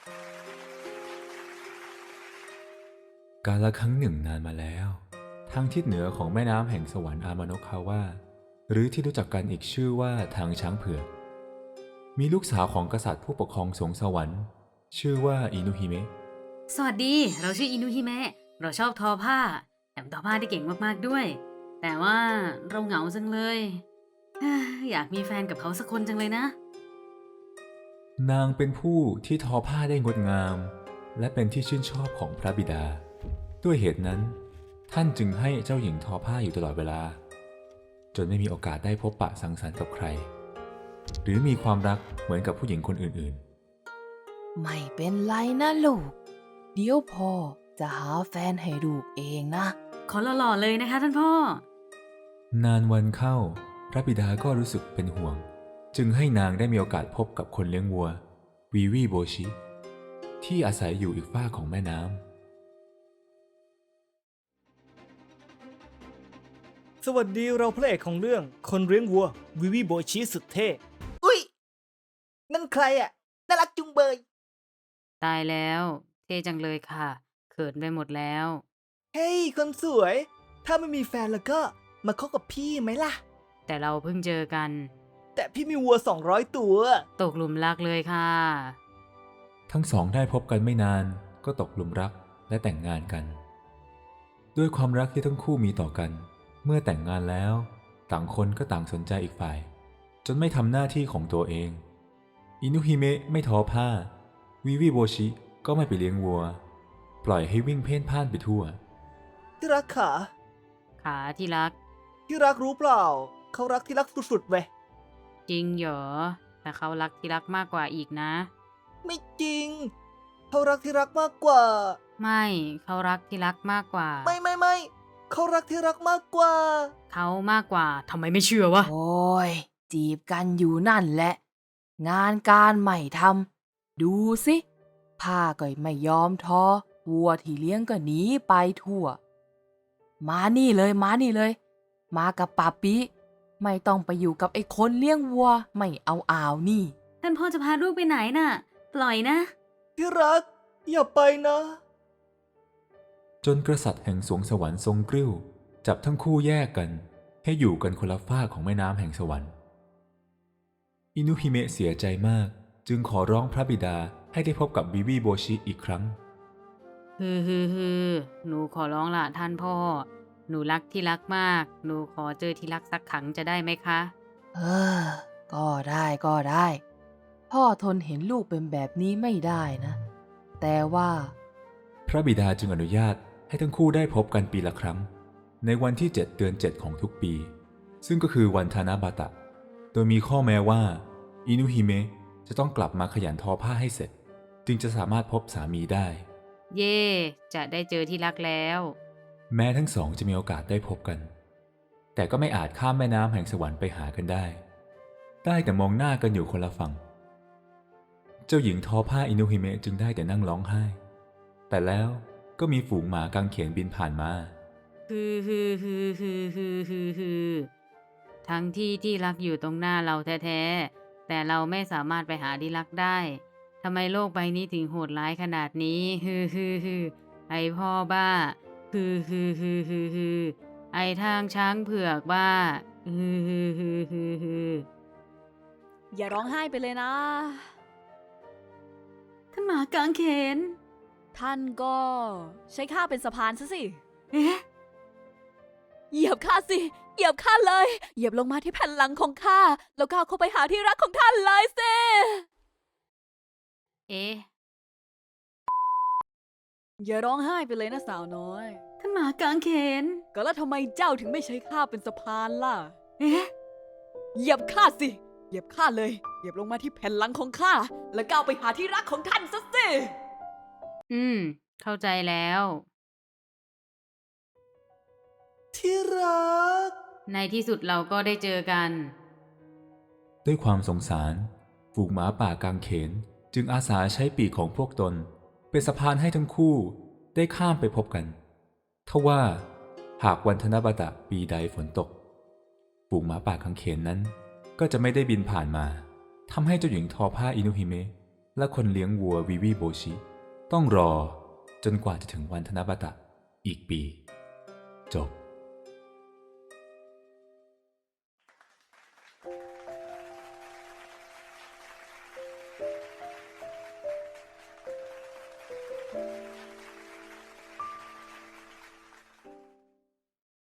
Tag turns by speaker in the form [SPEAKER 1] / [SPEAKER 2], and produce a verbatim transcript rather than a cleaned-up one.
[SPEAKER 1] กาลครั้งหนึ่งนานมาแล้วทางทิศเหนือของแม่น้ำแห่งสวรรค์อามาโนะคาวะหรือที่รู้จักกันอีกชื่อว่าทางช้างเผือกมีลูกสาวของกษัตริย์ผู้ปกครองสวงสวรรค์ชื่อว่าอินุฮิเมะ
[SPEAKER 2] สวัสดีเราชื่ออินุฮิเมะเราชอบทอผ้าแถมทอผ้าได้เก่งมากๆด้วยแต่ว่าเราเหงาจังเลยเอ้ออยากมีแฟนกับเขาสักคนจังเลยนะ
[SPEAKER 1] นางเป็นผู้ที่ทอผ้าได้งดงามและเป็นที่ชื่นชอบของพระบิดาด้วยเหตุนั้นท่านจึงให้เจ้าหญิงทอผ้าอยู่ตลอดเวลาจนไม่มีโอกาสได้พบปะสังสรรค์กับใครหรือมีความรักเหมือนกับผู้หญิงคนอื่น
[SPEAKER 3] ๆไม่เป็นไรนะลูกเดี๋ยวพ่อจะหาแฟนให้ลูกเองนะ
[SPEAKER 2] ขอหล่อๆเลยนะคะท่านพ่อน
[SPEAKER 1] านวันเข้าพระบิดาก็รู้สึกเป็นห่วงจึงให้นางได้มีโอกาสพบกับคนเลี้ยงวัววีวีโบชิที่อาศัยอยู่อีกฝ้าของแม่น้ำ
[SPEAKER 4] สวัสดีเราพระเอกของเรื่องคนเลี้ยงวัววิวิโบชิสุดเท่
[SPEAKER 5] อุ้ยนั่นใครอ่ะน่ารักจุงเบย
[SPEAKER 2] ตายแล้วเท่จังเลยค่ะเขินไปหมดแล้ว
[SPEAKER 5] เฮ้ยคนสวยถ้าไม่มีแฟนแล้วก็มาคบกับพี่ไหมล่ะ
[SPEAKER 2] แต่เราเพิ่งเจอกัน
[SPEAKER 5] แต่พี่มีวัวสองร้อยตัว
[SPEAKER 2] ตกหลุมรักเลยค่ะ
[SPEAKER 1] ทั้งสองได้พบกันไม่นานก็ตกหลุมรักและแต่งงานกันด้วยความรักที่ทั้งคู่มีต่อกันเมื่อแต่งงานแล้วต่างคนก็ต่างสนใจอีกฝ่ายจนไม่ทำหน้าที่ของตัวเองอินุฮิเมะไม่ทอผ้าวิวิโบชิก็ไม่ไปเลี้ยงวัวปล่อยให้วิ่งเพ่นพ่านไปทั่ว
[SPEAKER 5] ที่รักขา
[SPEAKER 2] ขาที่รัก
[SPEAKER 5] ที่รักรู้เปล่าเขารักที่รักสุดๆเว้ย
[SPEAKER 2] จริงเหรอแต่เขารักที่รักมากกว่าอีกนะ
[SPEAKER 5] ไม่จริงเขารักที่รักมากกว่า
[SPEAKER 2] ไม่เขารักที่รักมากกว่า
[SPEAKER 5] ไม่ไม่ไม่เขารักที่รักมากกว่า
[SPEAKER 2] เขามากกว่าทำไมไม่เชื่อวะ
[SPEAKER 3] โอ้ยจีบกันอยู่นั่นแหละงานการไม่ทำดูสิผ้าก็ไม่ยอมทอวัวที่เลี้ยงก็หนีไปทั่วมานี่เลยมานี่เลยมากับป่าปิไม่ต้องไปอยู่กับไอ้คนเลี้ยงวัวไม่เอาอ่าวนี่
[SPEAKER 2] ท่านพ่อจะพาลูกไปไหนน่ะปล่อยนะ
[SPEAKER 5] ที่รักอย่าไปนะ
[SPEAKER 1] จนกษัตริย์แห่งสวงสวรรค์ทรงกริ้วจับทั้งคู่แยกกันให้อยู่กันคนละฝ้าของแม่น้ำแห่งสวรรค์อินุฮิเมะเสียใจมากจึงขอร้องพระบิดาให้ได้พบกับวิวิโบชิอีกครั้ง
[SPEAKER 2] ฮือฮือฮือหนูขอร้องละท่านพ่อหนูรักที่รักมากหนูขอเจอที่รักสักครั้งจะได้ไหมคะ
[SPEAKER 3] เออก็ได้ก็ได้พ่อทนเห็นลูกเป็นแบบนี้ไม่ได้นะแต่ว่า
[SPEAKER 1] พระบิดาจึงอนุญาตให้ทั้งคู่ได้พบกันปีละครั้งในวันที่เจ็ดเดือนเจ็ดของทุกปีซึ่งก็คือวันทานาบาตะโดยมีข้อแม้ว่าอินุฮิเมะจะต้องกลับมาขยันทอผ้าให้เสร็จจึงจะสามารถพบสามีได้
[SPEAKER 2] เย่จะได้เจอที่รักแล้ว
[SPEAKER 1] แม้ทั้งสองจะมีโอกาสได้พบกันแต่ก็ไม่อาจข้ามแม่น้ำแห่งสวรรค์ไปหากันได้ได้แต่มองหน้ากันอยู่คนละฝั่งเจ้าหญิงทอผ้าอินุฮิเมะจึงได้แต่นั่งร้องไห้แต่แล้วก็มีฝูงหมากางเขนบินผ่านมา
[SPEAKER 2] ฮือฮือฮือฮือฮือฮือฮือทั้งที่ที่รักอยู่ตรงหน้าเราแท้ๆแต่เราไม่สามารถไปหาที่รักได้ทำไมโลกใบนี้ถึงโหดร้ายขนาดนี้ฮือฮือฮือไอพ่อบ้าฮือฮือฮือฮือฮือไอทางช้างเผือกบ้าฮือฮือฮือฮือฮือ
[SPEAKER 6] อย่าร้องไห้ไปเลยนะ
[SPEAKER 2] ท่านหมากางเขน
[SPEAKER 6] ท่านก็ใช้ข้าเป็นสะพานซะสิ
[SPEAKER 2] เอ๊ะ
[SPEAKER 6] เหยียบข้าสิเหยียบข้าเลยเหยียบลงมาที่แผ่นหลังของข้าแล้วก้าวเข้าไปหาที่รักของท่านเลยสิ
[SPEAKER 2] เอ๊ะ
[SPEAKER 6] อย่าร้องไห้ไปเลยนะสาวน้อย
[SPEAKER 2] ท่านหมากางเขน
[SPEAKER 6] ก็แล้วทำไมเจ้าถึงไม่ใช้ข้าเป็นสะพานล่ะ
[SPEAKER 2] เอ๊ะ
[SPEAKER 6] เหยียบข้าสิเหยียบข้าเลยเหยียบลงมาที่แผ่นหลังของข้าแล้วก้าวไปหาที่รักของท่านซะสิ
[SPEAKER 2] อืมเข้าใจแล้ว
[SPEAKER 5] ที่รัก
[SPEAKER 2] ในที่สุดเราก็ได้เจอกัน
[SPEAKER 1] ด้วยความสงสารฝูงหมาป่ากางเขนจึงอาสาใช้ปีกของพวกตนเป็นสะพานให้ทั้งคู่ได้ข้ามไปพบกันทว่าหากวันทนาบตะปีใดฝนตกฝูงหมาป่ากางเขนนั้นก็จะไม่ได้บินผ่านมาทำให้เจ้าหญิงทอผ้าอินุฮิเมะและคนเลี้ยงวัววิวิโบชิต้องรอจนกว่าจะถึงวันธนบัตะอีกปี จบ